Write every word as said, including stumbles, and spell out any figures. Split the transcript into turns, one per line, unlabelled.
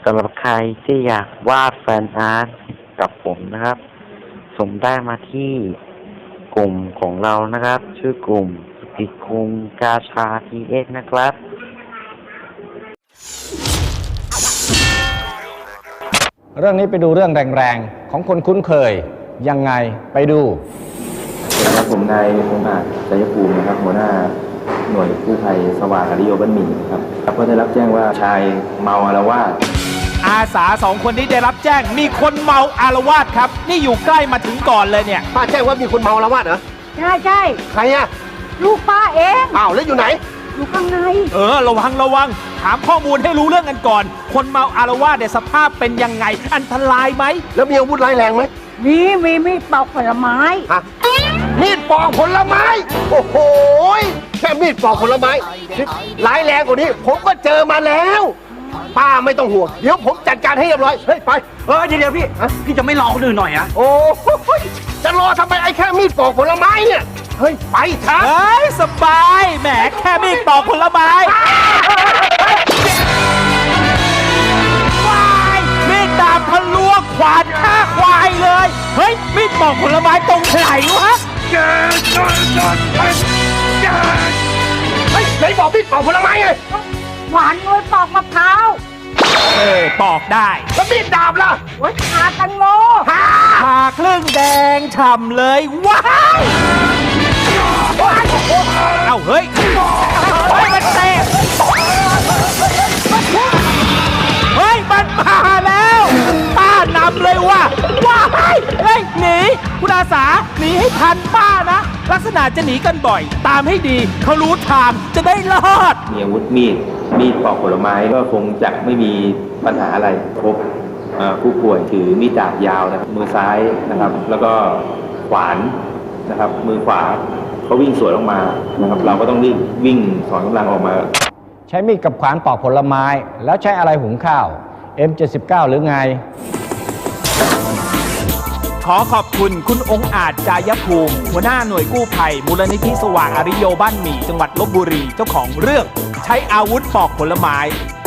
สำหรับใครที่อยากวาดแฟนอาร์ตกับผมนะครับส่งได้มาที่กลุ่มของเรานะครับชื่อกลุ่มสติคุงกาชาทีเอ็กนะครับ
เรื่องนี้ไปดูเรื่องแรงๆของคนคุ้นเคยยังไงไปดู
ครับผมนายพงษ์อาจชัยภูมินะครับหัวหน้าหน่วยกู้ภัยสว่างอริโยบ้านหมี่ครับก็ได้รับแจ้งว่าชายเมาอาละวาด
อาสาสองคนนี้ได้รับแจ้งมีคนเมาอาละวาดครับนี่อยู่ใกล้มาถึงก่อนเลยเนี่ย
ป้าแจ้งว่ามีคนเมาอาละวาดเหรอ
ใช่ใช่
ใครอะ
ลูกป้าเอง
อ้าวแล้วอยู่ไหน
อยู่ข้างใน
เออระวังระวังถามข้อมูลให้รู้เรื่องกันก่อนคนเมาอาละวาดเนี่ยสภาพเป็นยังไงอันตรายไหม
แล้วมีอาวุธร้ายแรงไหม
มีมีมีดปอกผลไม้
ฮะมีดปอกผลไม้โอ้โหแค่มีดปอกผลไม้ร้ายแรงกว่านี้ผมก็เจอมาแล้วป้าไม่ต้องห่วงเดี๋ยวผมจัดการให้เรียบร้อยเฮ้ยไป
เออเดี๋ยวพี่พี่จะไม่รอคนอื่นหน่อยอะ
โอ้จะรอทำไมไอ้แค่มีดปอกผลไม้เนี่ยเฮ้ยไปช้า
เฮ้ยสบายแหมแค่มีดปอกผลไม้ควายมีดดาบทะลวงขวานฆ่าควายเลยเฮ้ยมีดปอกผลไม้ตรงไหนวะ
เฮ้ยไหนบอกมีดปอกผลไม้ไง
หวานน้อยปอกมะพร้าว
เออปอกได้
แล้วมีดดาบล่ะ
ไว้ขาตังโม
ผ่าครึ่งแดงฉ่ำเลยว้าวเอ้าเฮ้ยเฮ้ยมันเตะเฮ้ยมันมาแล้วป้านำเลยว่ะว้ายเฮ้ยหนีคุณอาสาหนีให้ทันป้านะลักษณะจะหนีกันบ่อยตามให้ดีเขารู้ทางจะได้รอด
มีอาวุธมีดมีดปอกผลไม้ก็คงจะไม่มีปัญหาอะไรพบผู้ป่วยถือมีดดาบยาวนะครับมือซ้ายนะครับแล้วก็ขวานนะครับมือขวาเขาวิ่งสวนออกมานะครับเราก็ต้องรีบวิ่งถอนกำลังออกมา
ใช้มีดกับขวานปอกผลไม้แล้วใช้อะไรหุงข้าว เอ็ม เจ็ดสิบเก้า หรือไง
ขอขอบคุณคุณองค์อาจจายภูมิหัวหน้าหน่วยกู้ภัยมูลนิธิสว่างอริโยบ้านหมี่จังหวัดลพบุรีเจ้าของเรื่องใช้อาวุธปอกผลไม้